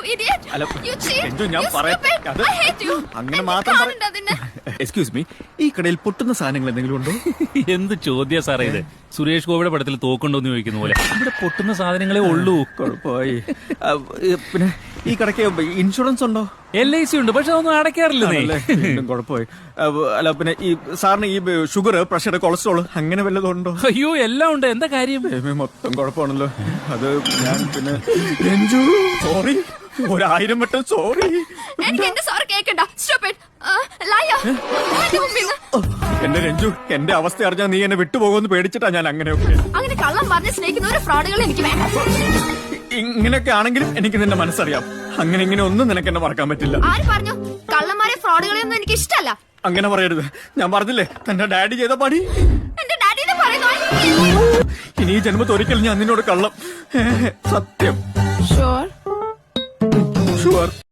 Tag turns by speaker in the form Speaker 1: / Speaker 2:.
Speaker 1: idiot.
Speaker 2: അല്ല,
Speaker 1: You cheat.
Speaker 2: Ranju, ഞാൻ
Speaker 1: You
Speaker 2: പറയട്ടെ,
Speaker 1: stupid.
Speaker 2: അത്
Speaker 1: I hate you.
Speaker 2: അങ്ങനെ
Speaker 1: എന്നെ
Speaker 2: മാത്രം
Speaker 1: കാണണ്ട അതിന്.
Speaker 2: എക്സ്ക്യൂസ് മീ, ഈ കടയിൽ പൊട്ടുന്ന സാധനങ്ങൾ എന്തെങ്കിലും ഉണ്ടോ?
Speaker 3: എന്ത് ചോദ്യ സാറേ ഇത്? സുരേഷ് ഗോപിയുടെ പടത്തിൽ തോക്കുണ്ടോന്ന് ചോദിക്കുന്ന പോലെ. ഇവിടെ പൊട്ടുന്ന സാധനങ്ങളെ ഉള്ളൂ.
Speaker 2: കുഴപ്പമായി. പിന്നെ ഈ കടയ്ക്ക് ഇൻഷുറൻസ് ഉണ്ടോ?
Speaker 3: LIC ഉണ്ട്, പക്ഷെ അതൊന്നും അടയ്ക്കാറില്ല.
Speaker 2: കുഴപ്പമായി. അല്ല, പിന്നെ ഈ സാറിന് ഈ ഷുഗർ, പ്രഷർ, കൊളസ്ട്രോൾ അങ്ങനെ വല്ലതും ഉണ്ടോ?
Speaker 3: അയ്യോ, എല്ലാം ഉണ്ട്. എന്താ കാര്യം?
Speaker 2: മൊത്തം കുഴപ്പമാണല്ലോ. അത് ഞാൻ പിന്നെ രഞ്ജു, സോറി, 1000 വട്ടം സോറി.
Speaker 1: എനിക്ക് എന്റെ സോറി കേക്കണ്ട. Stupid. Liar. എന്റെ മുമ്പിൽ നിന്ന്.
Speaker 2: എന്റെ രഞ്ജു, എന്റെ അവസ്ഥ അറിഞ്ഞാൽ നീ എന്നെ വിട്ടുപോകുമെന്ന് പേടിച്ചിട്ടാ ഞാൻ അങ്ങനെയൊക്കെ.
Speaker 1: അങ്ങനെ കള്ളം പറഞ്ഞ് സ്നേഹിക്കുന്ന ഒരു ഫ്രോഡുകൾ എനിക്ക് വേണ്ട.
Speaker 2: ഇങ്ങനെയൊക്കെ ആണെങ്കിലും എനിക്ക് നിന്റെ മനസ്സറിയാം. അങ്ങനെ ഇങ്ങനെ ഒന്നും നിനക്ക് എന്നെ മറക്കാൻ പറ്റില്ല.
Speaker 1: ആര് പറഞ്ഞു? കള്ളന്മാരെ ഫ്രോഡുകളെയൊന്നും എനിക്ക് ഇഷ്ടമല്ല.
Speaker 2: അങ്ങനെ പറയരുത്. ഞാൻ പറഞ്ഞില്ലേ തന്റെ ഡാഡി ചെയ്ത പണി.
Speaker 1: എന്റെ ഡാഡിനെ പറയുന്നു.
Speaker 2: ഇനി ഈ ജന്മത്തിൽ ഒരിക്കലും ഞാൻ നിന്നോട് കള്ളം. സത്യം.
Speaker 1: Sure.
Speaker 2: ഷുവർ.